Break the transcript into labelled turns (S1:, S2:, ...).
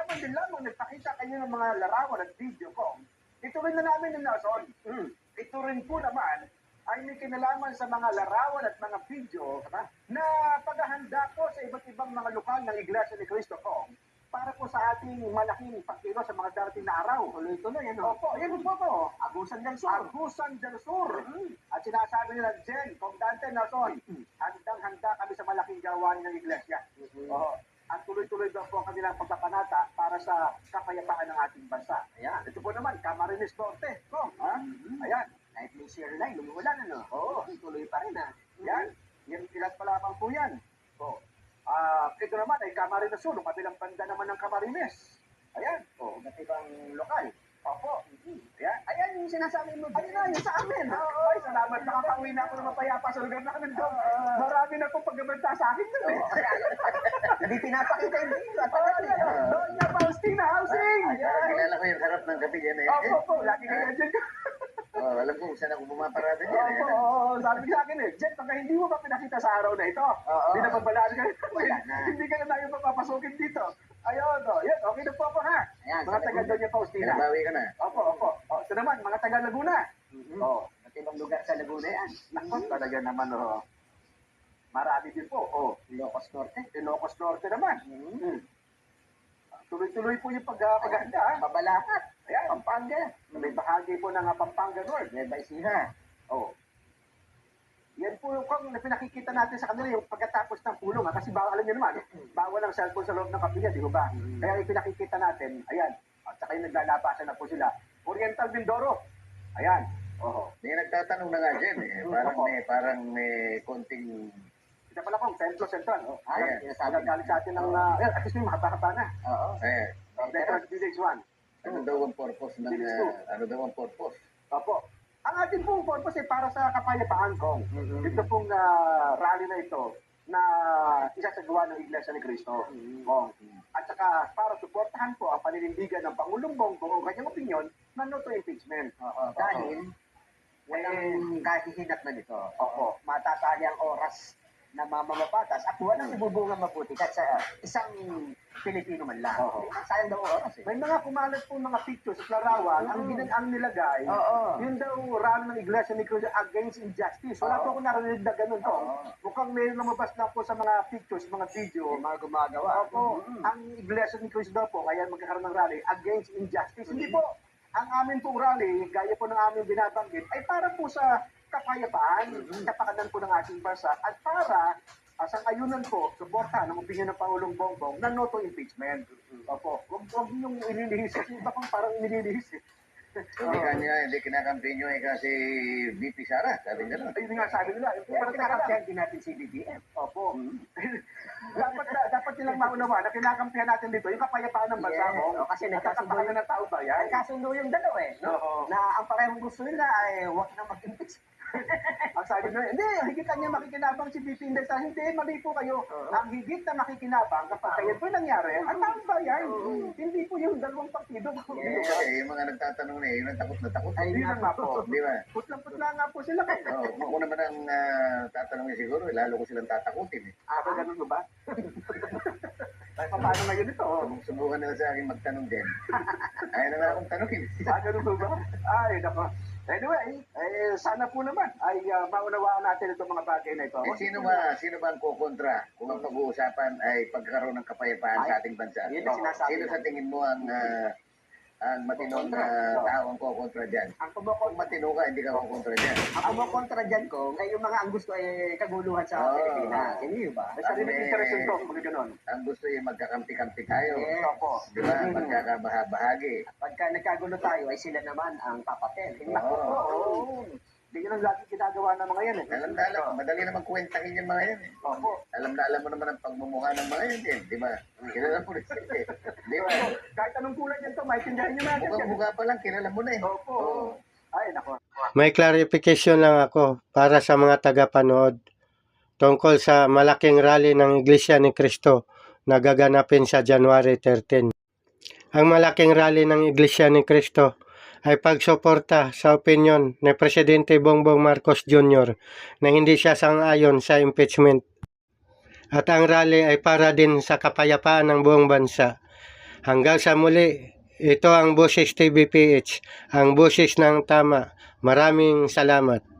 S1: Kahapon din lamang nagpakita kayo ng mga larawan at video ko. Ito rin na namin ng Nelson. Ito rin po naman ay may kinalaman sa mga larawan at mga video na paghahanda ko sa iba't ibang mga lokal ng Iglesia ni Cristo ko para po sa ating malaking pagkilo sa mga darating na araw. Tuloy-tuloy, ano? Opo, yan po po. Agusan del Sur. Agusan del Sur. At sinasabi nila, Jen, Comandante Nelson, handang-handa kami sa malaking gawain ng Iglesia. At tuloy-tuloy daw po ang kanilang pagpapanata para sa kapayapaan ng ating bansa. Ayan. Ito po naman, Camarines Norte. Ayan. Kahit may share line, lumulan, ano? Oo, tuloy pa rin, ha? Yan. Yan, ilan pa lamang po yan. Ito naman ay Camarines Sur, kabilang banda naman ng Camarines. Ayan. Iba't ibang lokal. Opo. Ayan. Ayan yung sinasabi mo. Ayun na, yun sa amin. Ay, salamat. Nakakauwi na ako ng mapayapa sa lugar namin doon. Marami na pong pagbabanta sa akin doon. Hindi pinapakita yung video. Doon na, Faustina Housing.
S2: Kilala ko yung harap ng gabi dyan eh.
S1: Opo. Lagi kayo dyan.
S2: Alam ko kung saan ako bumaparada dyan eh.
S1: Sabi sa akin eh, Jet, pagka hindi mo pa pinakita sa araw na ito, hindi na pagbalaan ka. Hindi ka na tayo mapapasukin dito. Ayun, yan, okay na po ako ha. Mga taga doon yung Faustina.
S2: Pinabawi ka na.
S1: Opo. Ito naman, mga taga Laguna. At ibang lugar sa Laguna yan. Naku, talaga naman, marami din po. Ilocos Norte. Ilocos Norte naman. Tuloy-tuloy po yung paghahanda. Mabalakat. Ayan, Pampanga. May bahagi po ng Pampanga North. May Baisiha. Yan po yung kung pinakikita natin sa kanila yung pagkatapos ng pulong. Kasi bawal, alam nyo naman, bawal ang cellphone sa loob ng kapilya, di ba? Kaya yung pinakikita natin, ayan. At saka yung naglalabasan na po sila. Oriental Mindoro. Ayan.
S2: May nagtatanong na nga dyan eh. Parang may konting...
S1: Kita pala pong Central.
S2: Ayan.
S1: Galing sa atin ng... at least may mahaba-haba na. Veterans Village 1.
S2: Ano daw ang purpose ng... Ano daw ang purpose?
S1: Opo. Ang ating pong purpose ay para sa kapayapaan ko. Ito pong rally na ito na isasagawa ng Iglesia ni Cristo. At saka para suportahan po ang paninindigan ng Pangulong Bongbong ang kanyang opinion na no to impeachment. Dahil walang kahihinat na nito. Matatali ang oras na mamamapatas at walang ibubunga mabuti kahit sa isang Pilipino man lang. Sayang daw oras eh. May mga kumalat po mga pictures at larawan, ang nilagay, yun daw rally ng Iglesia ni Cristo against injustice. Wala po ako narinig na ganun to. Mukhang may lumabas lang po sa mga pictures, mga video, mga gumagawa. Ang Iglesia ni Cristo daw po, kaya magkakaroon ng rally against injustice. Hindi po. Ang amin pong rally, gaya po ng aming binabanggit, ay para po sa kapayapaan, kapakanan po ng ating bansa at para sa ayunan po, suporta ng opinion ng Pangulong Bongbong na no to impeachment. Huwag niyong inilihis. Iba pang parang inilihis eh.
S2: Hindi kinakampi nyo eh kasi VP Sara, sabi nila.
S1: Ayun nga sabi nila. Parang kinakampihan din natin si BBM. Dapat nilang maunawa na kinakampihan natin dito yung kapayapaan ng bansa mo. Kasi nagkasundo ng tao ba yan? Nagkasundo yung dalawa eh. Na ang parehong gusto nila ay huwag na mag-impeach. Ang sabi nila, hindi, higit niya makikinabang si VP Inday. Hindi, mali po kayo. Ang higit na makikinabang kapag kayo po nangyari, ang taong bayan. Hindi po yung dalawang partido.
S2: Yung mga nagtatanong na yun ang takot na takot.
S1: Ay, hindi nga po.
S2: Di ba?
S1: Putlang-putla nga po sila.
S2: Ako naman ang tatanungin siguro, lalo ko silang tatakutin eh.
S1: Ganun ba? Paano ngayon ito?
S2: Subukan nila sa akin magtanong din. Ayaw na nga akong tanongin.
S1: Ganun ba? Ay, nako. Anyway, sana po naman ay maunawaan natin itong mga bagay na ito.
S2: Sino ba ang kukontra kung ang pag-uusapan ay pagkakaroon ng kapayapaan sa ating bansa? Sino sa tingin mo ang matinong tao ang kukontra dyan? Kung matino ka, hindi ka kukontra dyan.
S1: Ang kumontra dyan ko, ay yung mga ang gusto ay kaguluhan sa Pilipinas. Hindi ba? Sa rin interest ito, mga ganon.
S2: Ang gusto ay magkakampi-kampi tayo.
S1: Opo.
S2: Di ba? Magkakabaha-bahagi.
S1: Pagka nagkagulo tayo, ay sila naman ang papatel. Hindi yun ang lagi ginagawa ng mga yan eh.
S2: Alam na alam, madali naman kwentahin yung mga yan eh. Alam na alam mo naman ang pagmumukha ng mga yan eh. Di ba? Kilala mo rin sila eh. Di ba?
S1: Kahit anong kulay yan to, maintindihan nyo natin.
S2: Mukha pa lang, kilala mo na eh.
S1: Ay, nako.
S3: May clarification lang ako para sa mga tagapanood tungkol sa malaking rally ng Iglesia ni Cristo na gaganapin sa January 13. Ang malaking rally ng Iglesia ni Cristo ay pagsuporta sa opinyon ni Presidente Bongbong Marcos Jr. na hindi siya sang-ayon sa impeachment. At ang rally ay para din sa kapayapaan ng buong bansa. Hanggang sa muli, ito ang Boses TVPH, ang boses ng tama. Maraming salamat.